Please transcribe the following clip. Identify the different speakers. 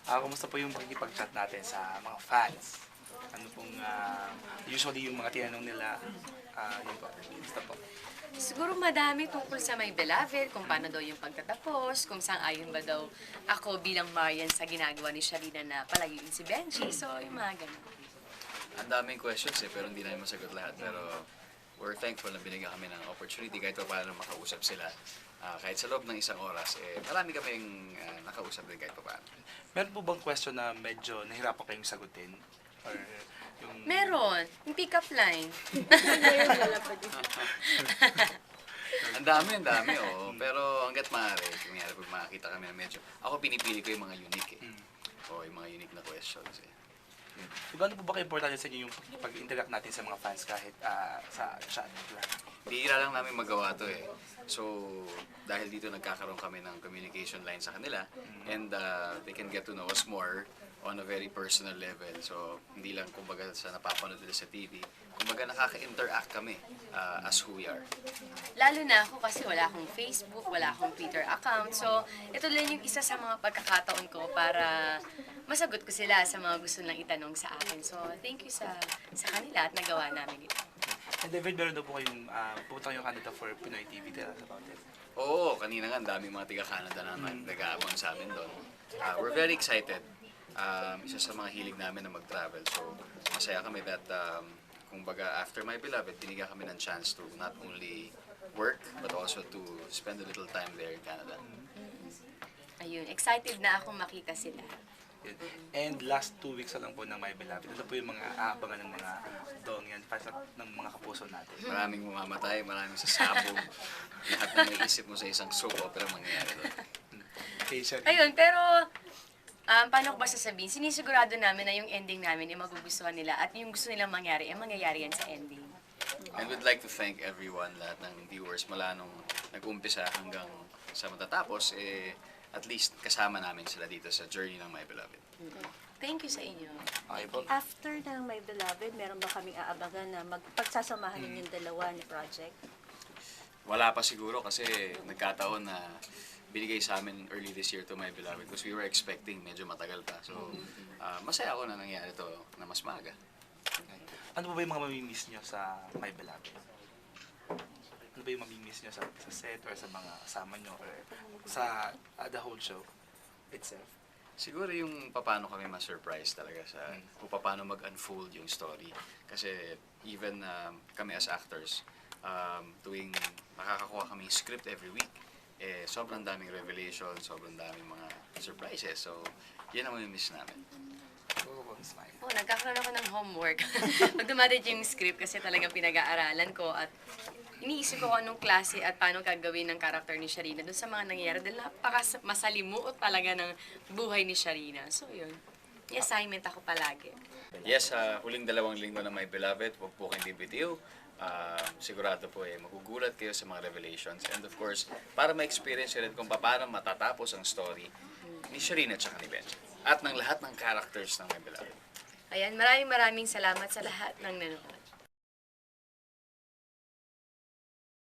Speaker 1: Kumusta po yung pakikipag-chat natin sa mga fans? Ano pong usually yung mga tinanong nila, yun po, kumusta po?
Speaker 2: Siguro madami tungkol sa My Beloved, kung paano daw yung pagtatapos, kung saan ayon ba daw ako bilang Marian sa ginagawa ni Sharina na palaging si Benji. So, yung mga ganun.
Speaker 3: Ang daming questions pero hindi namin masagot lahat. Pero we're thankful na binigyan kami ng opportunity kahit pa paano makausap sila. Kahit sa loob ng isang oras, marami kaming nakausap din kahit pa paano.
Speaker 1: Meron po bang question na medyo nahirapan kayong sagutin? Or yung...
Speaker 2: Meron, yung pick-up line.
Speaker 3: Ang dami, oo. Pero hanggat maaari, kunyari pag makakita kami na medyo, ako pinipili ko yung mga unique O yung mga unique na questions
Speaker 1: So, gaano po ba ka-importante sa inyo yung pag-interact natin sa mga fans kahit sa chat lang?
Speaker 3: Bihira lang namin magawa to So, dahil dito nagkakaroon kami ng communication line sa kanila and they can get to know us more on a very personal level. So, hindi lang kumbaga sa napapanood nila sa TV, kumbaga nakaka-interact kami as who we are.
Speaker 2: Lalo na ako kasi wala akong Facebook, wala akong Twitter account. So, ito lang yung isa sa mga pagkakataon ko para masagot ko sila sa mga gusto nilang itanong sa akin. So, thank you sa kanila at nagawa namin ito.
Speaker 1: And David, meron daw po kayong pupunta kayong Canada for Pinoy TV. Tell us about it.
Speaker 3: Oo, kanina nga, ang daming mga taga-Canada na nag-aabang sa amin doon. We're very excited. Isa sa mga hilig namin na mag-travel. So, masaya kami that, kumbaga, after My Beloved, binigyan kami ng chance to not only work, but also to spend a little time there in Canada.
Speaker 2: Ayun, excited na akong makita sila.
Speaker 1: Yun. And last 2 weeks na lang po ng My Beloved. Ito po yung mga aabangan ng mga dongyan, ng mga kapuso natin.
Speaker 3: Maraming mamamatay, maraming sasabog. Lahat na may isip mo sa isang soap opera mangyayari doon.
Speaker 1: Okay, Sherry.
Speaker 2: Ayun, pero paano ko ba sasabihin? Sinisigurado namin na yung ending namin ay magugustuhan nila at yung gusto nilang mangyari ay mangyayari yan sa ending.
Speaker 3: And we'd like to thank everyone, lahat ng viewers, mula nung nag-umpisa hanggang sa matatapos, at least kasama namin sila dito sa journey ng My Beloved.
Speaker 2: Thank you sa inyo.
Speaker 1: Okay po.
Speaker 4: After ng My Beloved, meron ba kaming aabangan na pagsasamahan ninyo yung dalawa ni project?
Speaker 3: Wala pa siguro kasi nagkataon na binigay sa amin early this year to My Beloved because we were expecting medyo matagal pa. So, masaya ako na nangyari to na mas maaga.
Speaker 1: Okay. Ano po ba yung mga mamimiss nyo sa My Beloved? Ano ba yung mamimiss nyo sa set or sa mga kasama nyo or sa the whole show itself?
Speaker 3: Siguro yung paano kami ma-surprise talaga sa kung paano mag-unfold yung story. Kasi even kami as actors, tuwing nakakakuha kami script every week, sobrang daming revelation, sobrang daming mga surprises. So, yan ang mamimiss namin.
Speaker 1: Oh, smile.
Speaker 2: Oh, nagkakaroon ako ng homework. Pag dumadating yung script kasi talagang pinag-aaralan ko at iniisip ko kung anong klase at paano gagawin ng karakter ni Sharina doon sa mga nangyayari dahil masalimuot talaga ng buhay ni Sharina. So, yun. May assignment ako palagi.
Speaker 3: Yes, huling 2 linggo na My Beloved, huwag po kayong bibitiw. Sigurado po magugulat kayo sa mga revelations. And of course, para ma-experience rin kung paano matatapos ang story ni Sharina at saka ni Benji. At ng lahat ng characters ng My Beloved.
Speaker 2: Ayan, maraming salamat sa lahat ng nanonood.